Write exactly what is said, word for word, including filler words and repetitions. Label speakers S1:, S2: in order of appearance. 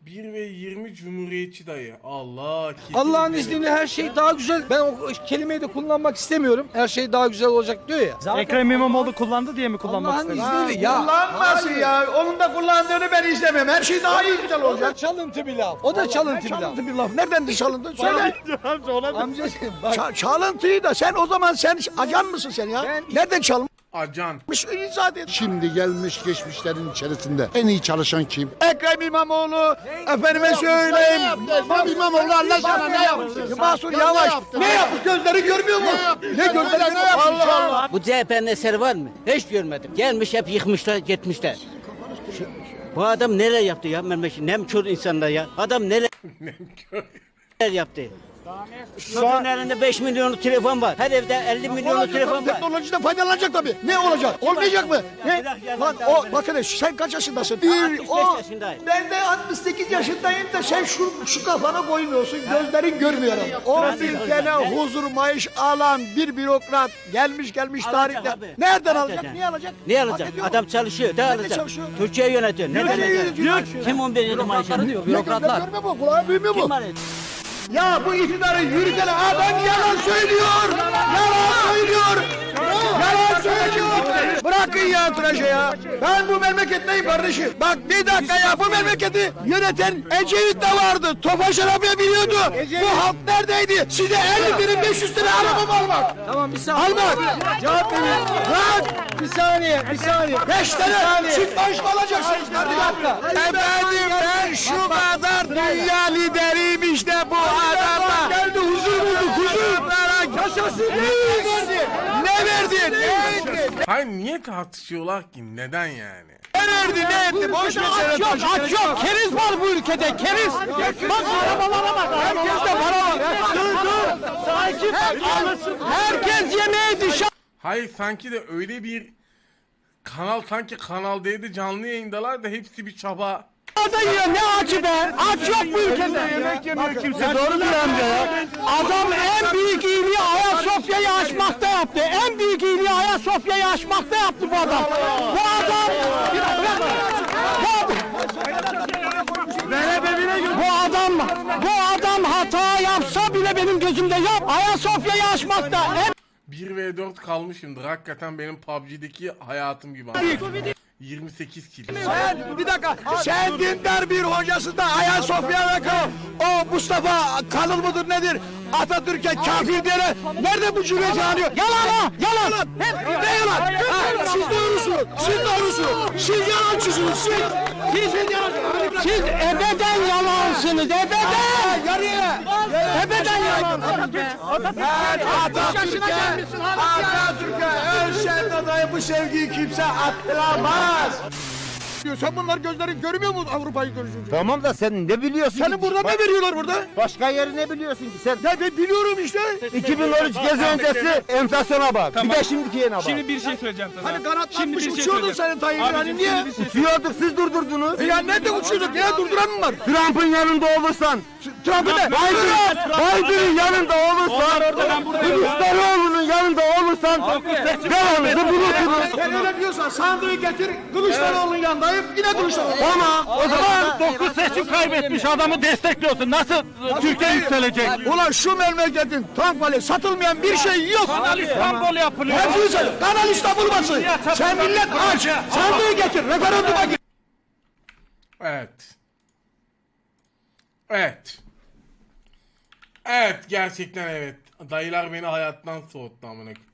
S1: bir ve yirmi Cumhuriyetçi dayı. Allah.
S2: Allah'ın izniyle her şey daha güzel. Ben o kelimeyi de kullanmak istemiyorum. Her şey daha güzel olacak diyor ya. Zaten
S3: Ekrem İmamoğlu kullandı diye mi kullanmak
S2: Allah'ın
S3: istedin?
S2: izniyle ya.
S4: Kullanmasın ya. Onun da kullandığını ben izlemem. Her şey daha iyi güzel
S2: O da
S4: olacak.
S2: çalıntı bir laf. O da çalıntı bir laf.
S4: Çalıntı bir laf. Nereden de çalıntı? Söyle.
S2: Amcacığım bak.
S4: Ça- çalıntıyı da sen o zaman sen ajan mısın sen ya?
S2: Ben-
S4: Nereden çalmış?
S1: Acan.
S4: İzah et.
S5: Şimdi gelmiş geçmişlerin içerisinde en iyi çalışan kim?
S4: Ekrem İmamoğlu. Efendime söyleyeyim.
S5: Ekrem İmamoğlu Allah aşkına ne yaptı?
S4: Mahsur Yavaş. Ne yapmış? Gözleri görmüyor mu? Ne gözleri ne yapmış? Allah Allah.
S6: Bu C H P'nin eseri var mı? Hiç görmedim. Gelmiş hep yıkmışlar, gitmişler. Şu- Bu adam neler yaptı ya memleket? Nem kör insanlar ya. Adam neler neler yaptı? Çocuğun elinde beş milyonluk telefon var. Her evde elli milyonluk telefon var.
S4: Teknolojiden faydalanacak tabii. Ne olacak? Olmayacak mı? Ne? Lan o bakın sen kaç yaşındasın? Bir
S6: altmış beş
S4: o
S6: yaşındayım.
S4: ben de altmış sekiz yaşındayım da sen şu şu kafana koymuyorsun. Gözlerin görmüyor. O
S6: Ben de
S4: ülkene
S6: göreceğim.
S4: huzur maaş alan bir bürokrat gelmiş gelmiş
S6: Alacak
S4: tarihte.
S6: abi.
S4: Nereden
S6: Alacak.
S4: alacak? Niye alacak?
S6: Ne
S4: Hak
S6: alacak?
S4: ediyor mu?
S6: Adam çalışıyor. Ne
S4: Nerede
S6: alacak?
S4: çalışıyor?
S6: Türkiye yönetiyor. Ne
S4: Nereye
S6: alacak?
S4: yönetiyor?
S6: Kim on bir yıl maaş alıyor?
S4: Ne gözler görmüyor mu? Kulağı duymuyor mu?
S6: Kim alıyor?
S4: Ya bu iktidarı yürüten adam yalan söylüyor. Yalan söylüyor. Yalan söylüyor. Bırakın ya tıraşı ya. Ben bu memleketteyim kardeşim. Bak bir dakika ya bu memleketi yöneten Ecevit de vardı. Tofaş arabaya biniyordu. Bu halk neredeydi? Size elli bin beş yüz lira araba mı almak?
S2: Tamam bir saniye.
S4: Almak.
S2: Cevap verin.
S4: Lan
S2: Bir saniye, bir saniye.
S4: beş tane süt maaş mı alacaksınız kardeşim? Efendim ben şu kadar dünya lideriyim işte bu adama. Geldi huzur bulduk huzur. Yaşasın. Ne verdi? Ne verdi? Ne verdi?
S1: Hayır niye tartışıyorlar ki? Neden yani?
S4: Ne verdi? Ne etti? Boş ver.
S2: Aç yok, aç yok. Keriz var bu ülkede, keriz. Bak arabalara bak. Herkeste para var. Dur, dur. Sakin. Herkes yemeğe dışarı.
S1: Hayır sanki de öyle bir kanal sanki Kanal D'de canlı yayındalar da hepsi bir çaba.
S2: Adam yiyor ne açı be? Aç yok bu ülkede. Yemek yemiyor kimse. Doğru diyor amca ya. Adam en büyük iyiliği Ayasofya'yı açmakta yaptı. En büyük iyiliği Ayasofya'yı açmakta yaptı bu adam. Bu adam... Bu adam, bu adam hata yapsa bile benim gözümde yap. Ayasofya'yı açmakta. En
S1: bir ve dört kalmışımdır. Hakikaten benim P U B G'deki hayatım gibi. yirmi sekiz kill.
S4: Sen bir dakika. Sen dindar bir hocası da Ayasofya'da kal. O Mustafa Kalıl mıdır nedir? Atatürk'e kafir diyene nerede bu cümleti anıyor? Yalan ha! Yalan! Hep ne yalan? Ha, siz doğrusunuz. Siz doğrusunuz. Siz yalancısınız. Siz. Siz yalancısınız.
S2: siz ebeden yalansınız, ebeden.
S4: Yarıya.
S2: Ebeden yalansınız.
S4: Ben Atatürk'e Atatürk'e ölsen adayı bu sevgiyi kimse attıramaz. Sen bunlar gözlerin görmüyor mu Avrupa'yı görüşünce?
S5: Tamam da sen ne biliyorsun?
S4: Senin burada ne veriyorlar burada?
S5: Başka yeri ne biliyorsun ki sen?
S4: Ya ben biliyorum işte.
S5: iki bin on üç gezi öncesi enflasyona bak. Bir de şimdiki yene bak.
S3: Şimdi bir şey söyleyeceğim sana.
S4: Hani kanatlanmış
S3: bir şey
S4: uçuyordun
S3: söyleyeceğim.
S4: senin Tayyip'in hani niye?
S5: Uçuyorduk siz durdurdunuz.
S4: E ya nerede uçuyorduk? Niye durduran mı var?
S5: Trump'ın yanında olursan,
S4: Trump'ı ne?
S5: Biden, Biden'ın yanında olursan, Kılıçdaroğlu'nun yanında olursan devamını bulursunuz.
S4: Sen öyle diyorsan sandığı getir Kılıçdaroğlu'nun yanındayım yine Kılıçdaroğlu.
S5: Tamam o zaman
S3: dokuz seçim kaybetmiş adamı destekliyorsun. Nasıl Türkiye yükselecek?
S4: Ulan şu memleketin tank vali satılmayan bir şey yok.
S3: Kanal İstanbul yapılıyor.
S4: Hepsini sen. Kanal İstanbul basın. Sen millet aç. Sandığı getir. Referanduma gir.
S1: Evet. Evet. Evet gerçekten evet. Dayılar beni hayattan soğuttu amına.